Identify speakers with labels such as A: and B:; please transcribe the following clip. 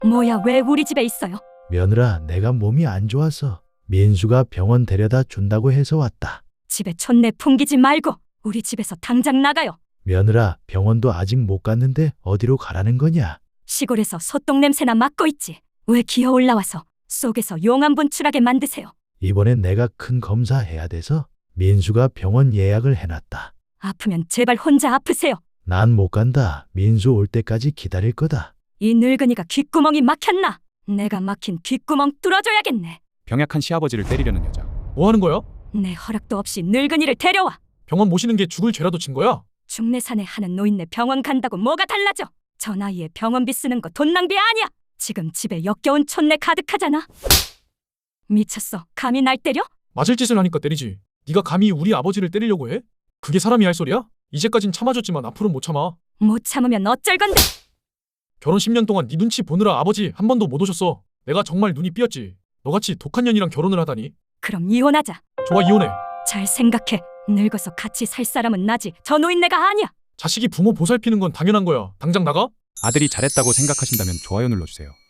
A: 뭐야, 왜 우리 집에 있어요?
B: 며느라, 내가 몸이 안 좋아서 민수가 병원 데려다 준다고 해서 왔다.
A: 집에 촌내 풍기지 말고 우리 집에서 당장 나가요.
B: 며느라, 병원도 아직 못 갔는데 어디로 가라는 거냐?
A: 시골에서 소똥 냄새나 맡고 있지. 왜 기어 올라와서 속에서 용암 분출하게 만드세요?
B: 이번엔 내가 큰 검사해야 돼서 민수가 병원 예약을 해놨다.
A: 아프면 제발 혼자 아프세요.
B: 난 못 간다. 민수 올 때까지 기다릴 거다.
A: 이 늙은이가 귓구멍이 막혔나? 내가 막힌 귓구멍 뚫어줘야겠네.
C: 병약한 시아버지를 때리려는 여자.
D: 뭐 하는 거야?
A: 내 허락도 없이 늙은이를 데려와.
D: 병원 모시는 게 죽을 죄라도 진 거야?
A: 중내산에 하는 노인네 병원 간다고 뭐가 달라져? 저 나이에 병원비 쓰는 거 돈 낭비 아니야. 지금 집에 역겨운 촌내 가득하잖아. 미쳤어. 감히 날 때려?
D: 맞을 짓을 하니까 때리지. 네가 감히 우리 아버지를 때리려고 해? 그게 사람이 할 소리야? 이제까진 참아줬지만 앞으로는 못 참아.
A: 못 참으면 어쩔 건데?
D: 결혼 10년 동안 네 눈치 보느라 아버지 한 번도 못 오셨어. 내가 정말 눈이 삐었지. 너같이 독한 년이랑 결혼을 하다니.
A: 그럼 이혼하자.
D: 좋아, 이혼해.
A: 잘 생각해. 늙어서 같이 살 사람은 나지. 저 노인네가 아니야.
D: 자식이 부모 보살피는 건 당연한 거야. 당장 나가?
C: 아들이 잘했다고 생각하신다면 좋아요 눌러주세요.